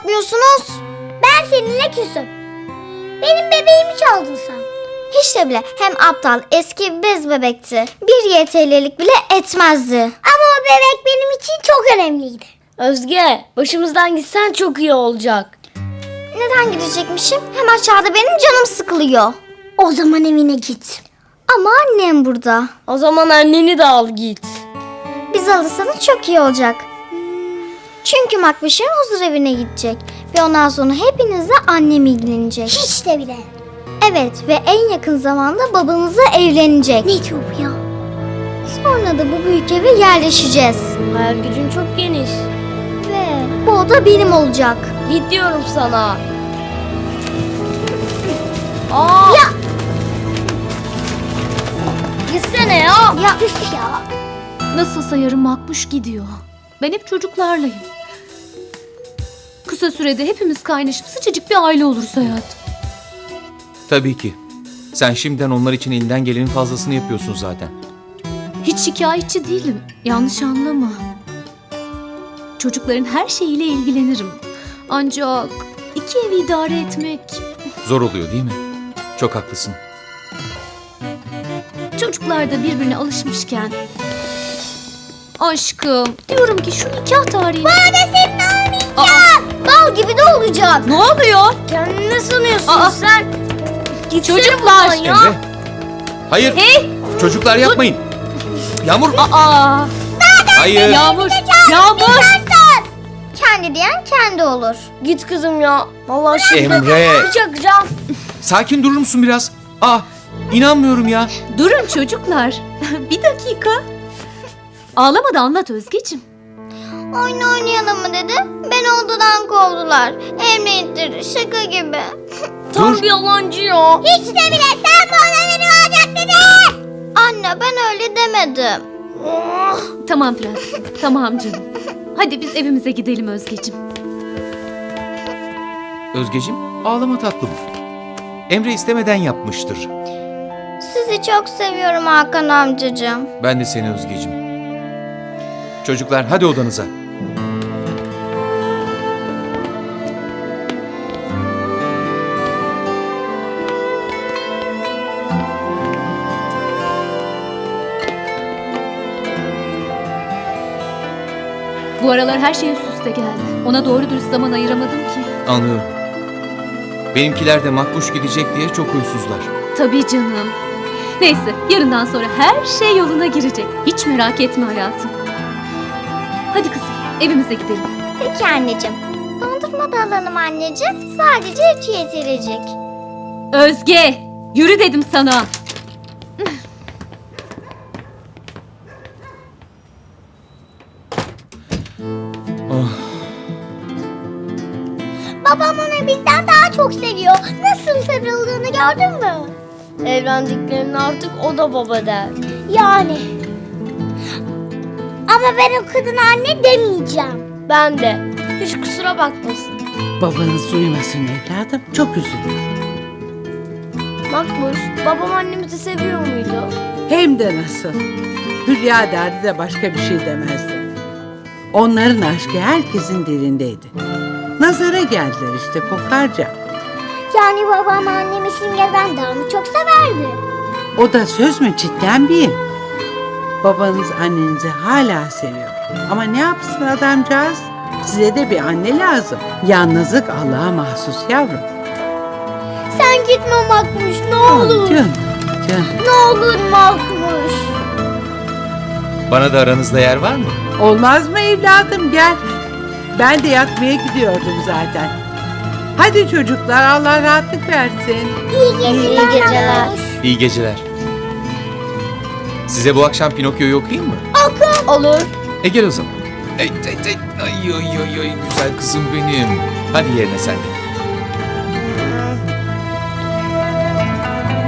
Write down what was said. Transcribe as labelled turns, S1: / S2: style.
S1: bakmıyorsunuz?
S2: Ben seninle küsüm. Benim bebeğimi çaldın sen.
S1: Hiç de bile, hem aptal, eski bir bez bebekti. Bir YTL'lik bile etmezdi.
S2: Ama o bebek benim için çok önemliydi.
S3: Özge, başımızdan gitsen çok iyi olacak.
S1: Neden gidecekmişim? Hem aşağıda benim canım sıkılıyor.
S2: O zaman evine git.
S1: Ama annem burada.
S3: O zaman anneni de al git.
S1: Biz alırsanız çok iyi olacak. Çünkü Makbuş'un huzur evine gidecek. Ve ondan sonra hepinizle annem ilgilenecek.
S2: Hiç de bile.
S1: Evet, ve en yakın zamanda babanızla evlenecek.
S2: Ne çok ya.
S1: Sonra da bu büyük eve yerleşeceğiz.
S3: Hayal gücün çok geniş.
S1: Ve bu oda benim olacak.
S3: Git diyorum sana. Aa!
S1: Ya!
S3: Gitsene ya.
S1: Ya
S2: Üf ya.
S4: Nasılsa yarın Makbuş gidiyor. Ben hep çocuklarlayım. Kısa sürede hepimiz kaynaşıp sıcacık bir aile oluruz hayatım.
S5: Tabii ki. Sen şimdiden onlar için elinden gelenin fazlasını yapıyorsun zaten.
S4: Hiç şikayetçi değilim. Yanlış anlama. Çocukların her şeyiyle ilgilenirim. Ancak iki evi idare etmek...
S5: Zor oluyor değil mi? Çok haklısın.
S4: Çocuklar da birbirine alışmışken... Aşkım, diyorum ki şu nikah tarihini...
S2: Bana senin olmayacak.
S1: bal gibi de olacak.
S4: Ne oluyor?
S3: Kendini ne sanıyorsun
S4: Aa!
S3: sen? Gitsene
S4: Çocuklar!
S3: buradan ya.
S5: Emre. Hayır. Çocuklar yapmayın. Yağmur.
S4: Aa!
S5: Hayır.
S4: Yağmur! Yağmur!
S1: Kendi diyen kendi olur.
S3: Git kızım ya. Vallahi şimdi
S5: Emre.
S3: çakacağım.
S5: Sakin durur musun biraz? İnanmıyorum ya.
S4: Durun çocuklar. Bir dakika. Ağlama da anlat Özgeciğim.
S1: Oyun oynayalım mı dedi. Beni odadan kovdular. Emre ittirdi, şaka gibi.
S3: Tam
S5: Dur.
S3: bir yalancı ya.
S2: Hiç de bile sen bu oda benim olacak dedin.
S1: Anne, ben öyle demedim.
S4: Tamam prensesim. Tamam canım. Hadi biz evimize gidelim Özgeciğim.
S5: Özgeciğim, ağlama tatlım. Emre istemeden yapmıştır.
S1: Sizi çok seviyorum Hakan amcacığım.
S5: Ben de seni Özgeciğim. Çocuklar hadi odanıza.
S4: Bu aralar her şey üst üste geldi. Ona doğru dürüst zaman ayıramadım ki.
S5: Anlıyorum. Benimkiler de Makbuş gidecek diye çok huysuzlar.
S4: Tabii canım. Neyse yarından sonra her şey yoluna girecek. Hiç merak etme hayatım. Hadi kızım evimize gidelim.
S1: Peki anneciğim. Dondurma da alalım anneciğim. Sadece 3 yetirecek.
S4: Özge yürü dedim sana.
S2: Babam onu bizden daha çok seviyor. Nasıl sarıldığını gördün mü?
S3: Evlendiklerinde artık o da baba der.
S2: Yani. Ama ben o kadına anne demeyeceğim.
S3: Ben de. Hiç kusura bakmasın.
S6: Babanız duymasın evladım. Çok üzülür.
S3: Makbuş, babam annemizi seviyor muydu?
S6: Hem de nasıl. Hülya derdi de başka bir şey demezdi. Onların aşkı herkesin dilindeydi. Nazara geldiler işte kokarca.
S2: Yani babam annemi Simge'den daha mı çok severdi?
S6: O da söz mü cidden bir? Babanız annenizi hala seviyor. Ama ne yapsın adamcağız? Size de bir anne lazım. Yalnızlık Allah'a mahsus yavrum.
S2: Sen gitme Makmuş ne olur.
S6: Canım, canım.
S2: Ne olur Makmuş.
S5: Bana da aranızda yer var mı?
S6: Olmaz mı evladım gel. Ben de yatmaya gidiyordum zaten. Hadi çocuklar Allah rahatlık versin.
S2: İyi geceler.
S5: İyi geceler. Size bu akşam Pinokyo'yu okuyayım mı?
S3: Olur.
S5: Gel o zaman. Ay, ay, ay, ay, ay, ay, güzel kızım benim. Hadi yerine sen de.